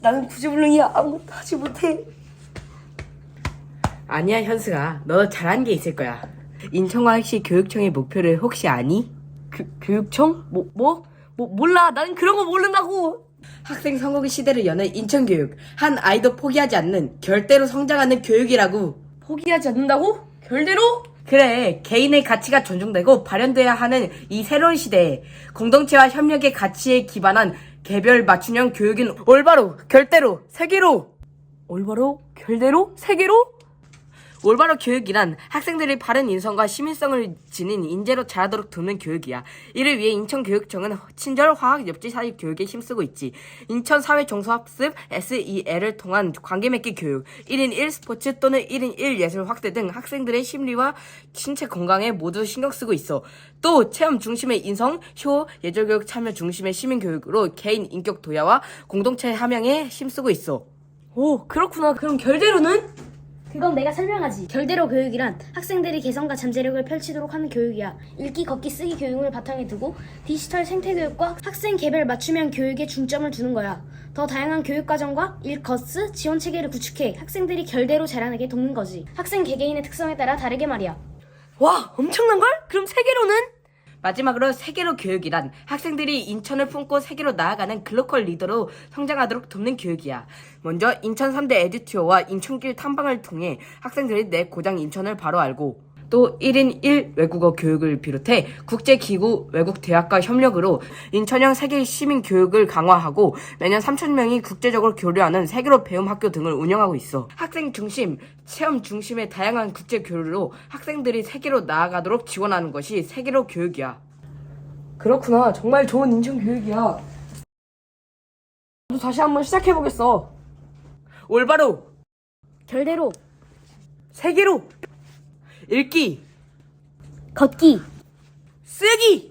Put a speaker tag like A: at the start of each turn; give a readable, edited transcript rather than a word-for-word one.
A: 나는 구제불능이야. 아무것도 하지 못해. 아니야, 현수가. 너 잘한 게 있을 거야. 인천광역시 교육청의 목표를 혹시 아니? 교육청? 몰라. 나는 그런 거 모른다고. 학생 선거기 시대를 여는 인천교육. 한 아이도 포기하지 않는, 결대로 성장하는 교육이라고. 포기하지 않는다고? 결대로? 그래, 개인의 가치가 존중되고 발현돼야 하는 이 새로운 시대에 공동체와 협력의 가치에 기반한 개별 맞춤형 교육인 올바로, 결대로, 세계로. 올바로, 결대로, 세계로? 올바로 교육이란 학생들이 바른 인성과 시민성을 지닌 인재로 자라도록 돕는 교육이야. 이를 위해 인천교육청은 친절, 화학, 엽지 사회 교육에 힘쓰고 있지. 인천사회종합습 SEL을 통한 관계맺기 교육, 1인 1 스포츠 또는 1인 1 예술 확대 등 학생들의 심리와 신체 건강에 모두 신경 쓰고 있어. 또 체험 중심의 인성, 효, 예절교육 참여 중심의 시민교육으로 개인 인격 도야와 공동체 함양에 힘쓰고 있어. 오, 그렇구나. 그럼 결대로는?
B: 그건 내가 설명하지. 결대로 교육이란 학생들이 개성과 잠재력을 펼치도록 하는 교육이야. 읽기, 걷기, 쓰기 교육을 바탕에 두고 디지털 생태 교육과 학생 개별 맞춤형 교육에 중점을 두는 거야. 더 다양한 교육 과정과 일거스 지원 체계를 구축해 학생들이 결대로 자라나게 돕는 거지. 학생 개개인의 특성에 따라 다르게 말이야.
A: 와, 엄청난걸? 그럼 세계로는? 마지막으로 세계로 교육이란 학생들이 인천을 품고 세계로 나아가는 글로컬 리더로 성장하도록 돕는 교육이야. 먼저 인천 3대 에듀투어와 인천길 탐방을 통해 학생들이 내 고장 인천을 바로 알고, 또 1인 1 외국어 교육을 비롯해 국제기구 외국대학과 협력으로 인천형 세계 시민 교육을 강화하고 매년 3,000명이 국제적으로 교류하는 세계로 배움 학교 등을 운영하고 있어. 학생 중심, 체험 중심의 다양한 국제 교류로 학생들이 세계로 나아가도록 지원하는 것이 세계로 교육이야. 그렇구나. 정말 좋은 인천 교육이야. 나도 다시 한번 시작해보겠어. 올바로,
B: 결대로,
A: 세계로, 읽기,
B: 걷기,
A: 쓰기.